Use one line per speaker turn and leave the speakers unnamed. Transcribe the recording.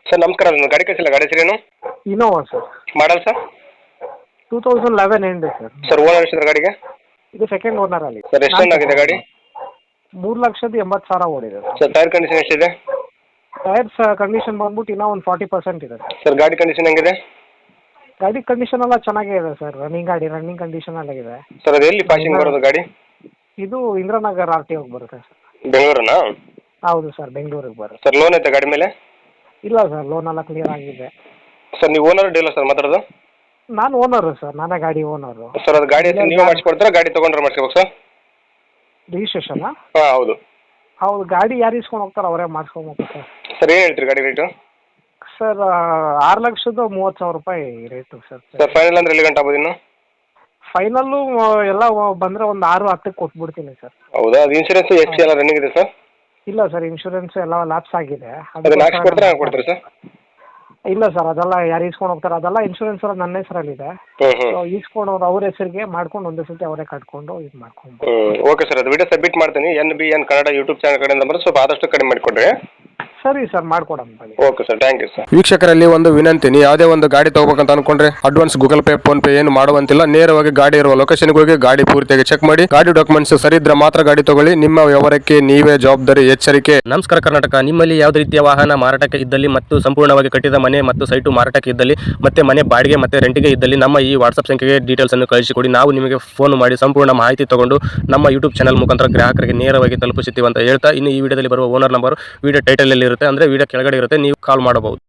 Sir ನಮಸ್ಕಾರ, ಅದೊಂದು ಗಾಡಿ ಕಳಿಸಿಲ್ಲ, ಗಾಡಿ ಹೆಸರೇನು?
Innova sir.
Model sir?
2011 end sir.
Sir owner ಎಷ್ಟಿದೆ ಗಾಡಿಗೆ?
ಇದು ಸೆಕೆಂಡ್ ಓನರ್ ಅಲ್ಲಿ.
ಸರ್ ಎಷ್ಟು ರನ್ ಆಗಿದೆ ಗಾಡಿ?
3,80,000 ಓಡಿದೆ
ಸರ್ ಟೈರ್ ಕಂಡೀಷನ್ ಎಷ್ಟಿದೆ?
ಟೈರ್ಸ್ ಕಂಡೀಷನ್ ಬಂದ್ಬಿಟ್ಟು ಇನ್ನೂ ಒಂದು 40% ಇದೆ
ಸರ್ ಗಾಡಿ ಕಂಡೀಷನ್ ಹೆಂಗಿದೆ?
ಗಾಡಿ ಕಂಡೀಷನ್ ಎಲ್ಲ ಚೆನ್ನಾಗೇ ಇದೆ ಸರ್. ರನ್ನಿಂಗ್ ಕಂಡೀಷನ್ ಎಲ್ಲ ಇದೆ
ಸರ್ ಅದು ಎಲ್ಲಿ ಪಾಸಿಂಗ್ ಬರೋದು ಗಾಡಿ?
ಇದು ಇಂದ್ರಾನಗರ್ RT ಹೋಗಿ ಬರುತ್ತೆ ಸರ್.
ಬೆಂಗಳೂರನಾ?
ಹೌದು ಸರ್, ಬೆಂಗಳೂರಿಗೆ ಬರುತ್ತೆ.
ಸರ್ ಲೋನ್ ಐತೆ ಗಾಡಿ ಮೇಲೆ?
ಇಲ್ಲ ಸರ್, ಲೋನ್ ಎಲ್ಲ ಕ್ಲಿಯರ್ ಆಗಿದೆ.
ಸರ್ ನೀವು ಓನರ್ ಡೀಲರ್ ಸರ್ ಮಾತಾಡೋದು?
ನಾನು ಓನರು ಸರ್, ನಾನೇ ಗಾಡಿ ಓನರು.
ಸರ್ ಅದು ಗಾಡಿ ನೀವು ಮಾಡಿಸ್ಕೊಡ್ತೀರಾ, ಗಾಡಿ ತೊಗೊಂಡ್ರೆ ಮಾಡಿಸ್ಕೋಬೇಕು ಸರ್?
ರಿಜಿಸ್ಟ್ರೇಷನ್?
ಹಾಂ ಹೌದು.
ಹೌದು, ಗಾಡಿ ಯಾರು ಇಸ್ಕೊಂಡು ಹೋಗ್ತಾರೆ ಅವರೇ ಮಾಡಿಸ್ಕೊಬೇಕು ಸರ್.
ಸರ್ ಏನು ಹೇಳ್ತೀರಿ ಗಾಡಿ ರೇಟು?
ಸರ್ 6,30,000 ರೂಪಾಯಿ ರೇಟು ಸರ್.
ಸರ್ ಫೈನಲ್ ಅಂದ್ರೆ ಎಲ್ಲಿ ಗಂಟೆ ಆಗ್ಬೋದು ಇನ್ನು?
ಫೈನಲ್ಲು ಎಲ್ಲ ಬಂದರೆ ಒಂದು 6-10 ಕೊಟ್ಬಿಡ್ತೀನಿ ಸರ್.
ಹೌದಾ? ಅದು ಇನ್ಶೂರೆನ್ಸ್ FC ಎಲ್ಲ ರನ್ನಿಂಗ್ ಇದೆ ಸರ್?
ಇಲ್ಲ ಸರ್, ಇನ್ಶೂರೆನ್ಸ್ ಎಲ್ಲ ಲ್ಯಾಪ್ಸ್ ಆಗಿದೆ.
ಅದನ್ನ ಹಾಕ್ಸ್ಕೊಡ್ತೀರಾ ಹಾಗೆ ಕೊಡ್ತೀರಾ ಸರ್?
ಇಲ್ಲ ಸರ್, ಅದೆಲ್ಲ ಯಾರು ಇಸ್ಕೊಂಡು ಹೋಗ್ತಾರೆ, ಅದೆಲ್ಲ ಇನ್ಶೂರೆನ್ಸ್ ಎಲ್ಲ ನನ್ನ ಹೆಸರಲ್ಲಿದೆ. ಇಸ್ಕೊಂಡವ್ರು ಅವ್ರ ಹೆಸರಿಗೆ ಮಾಡ್ಕೊಂಡು ಒಂದೇ ಸತಿ ಅವರೇ ಕಟ್ಕೊಂಡು ಇದು ಮಾಡ್ಕೊಂಡು.
ಓಕೆ ಸರ್, ಅದು ವಿಡಿಯೋ ಸಬ್ಮಿಟ್ ಮಾಡ್ತೀನಿ. NBN ಕನ್ನಡ ಯೂಟ್ಯೂಬ್ ಚಾನಲ್ ಕಡೆಯಿಂದ ಬಂದರೆ ಸ್ವಲ್ಪ ಆದಷ್ಟು ಕಡಿಮೆ ಮಾಡಿಕೊಡ್ರಿ.
ಸರಿ ಸರ್, ಮಾಡ್ಕೊಡೋಣ ಬನ್ನಿ.
Okay sir, thank you sir.
ವೀಕ್ಷಕರಲ್ಲಿ ಒಂದು ವಿನಂತಿ, ನೀವು ಯಾವುದೇ ಒಂದು ಗಾಡಿ ತಗೋಬೇಕಂತ ಅನ್ಕೊಂಡ್ರೆ advance Google Pay PhonePe ಏನು ಮಾಡುವಂತಿಲ್ಲ. ನೇರವಾಗಿ ಗಾಡಿ ಇರುವ ಲೊಕೇಶನ್ಗೆ ಹೋಗಿ ಗಾಡಿ ಪೂರ್ತಿಯಾಗಿ ಚೆಕ್ ಮಾಡಿ, ಗಾಡಿ ಡಾಕ್ಯುಮೆಂಟ್ಸ್ ಸರಿ ಇದ್ರೆ ಮಾತ್ರ ಗಾಡಿ ತಗೊಳ್ಳಿ. ನಿಮ್ಮ ವ್ಯವಹಾರಕ್ಕೆ ನೀವೇ ಜವಾಬ್ದಾರಿ. ಎಚ್ಚರಿಕೆ.
ನಮಸ್ಕಾರ ಕರ್ನಾಟಕ. ನಿಮ್ಮಲ್ಲಿ ಯಾವುದೇ ರೀತಿಯ ವಾಹನ ಮಾರಾಟಕ್ಕೆ ಇದ್ದಲ್ಲಿ ಮತ್ತು ಸಂಪೂರ್ಣವಾಗಿ ಕಟ್ಟಿದ ಮನೆ ಮತ್ತು ಸೈಟು ಮಾರಾಟಕ್ಕೆ ಇದ್ದಲ್ಲಿ ಮತ್ತೆ ಮನೆ ಬಾಡಿಗೆ ಮತ್ತು ರೆಂಟಿಗೆ ಇದ್ದಲ್ಲಿ ನಮ್ಮ ಈ ವಾಟ್ಸ್ಆಪ್ ಸಂಖ್ಯೆಗೆ ಡೀಟೇಲ್ಸ್ ಅನ್ನು ಕಳಿಸಿಕೊಡಿ. ನಾವು ನಿಮಗೆ ಫೋನ್ ಮಾಡಿ ಸಂಪೂರ್ಣ ಮಾಹಿತಿ ತಗೊಂಡು ನಮ್ಮ ಯೂಟ್ಯೂಬ್ ಚಾನಲ್ ಮುಖಾಂತರ ಗ್ರಾಹಕರಿಗೆ ನೇರವಾಗಿ ತಲುಪಿಸುತ್ತೀವಿ ಅಂತ ಹೇಳ್ತಾ, ಇನ್ನು ಈ ವಿಡಿಯೋದಲ್ಲಿ ಬರುವ ಓನರ್ ನಂಬರ್ ವಿಡಿಯೋ ಟೈಟಲ್ ಅಲ್ಲಿ ಇರುತ್ತೆ, ಅಂದ್ರೆ ವಿಡಿಯೋ ಕೆಳಗಡೆ ಇರುತ್ತೆ, ನೀವು ಕಾಲ್ ಮಾಡಬಹುದು.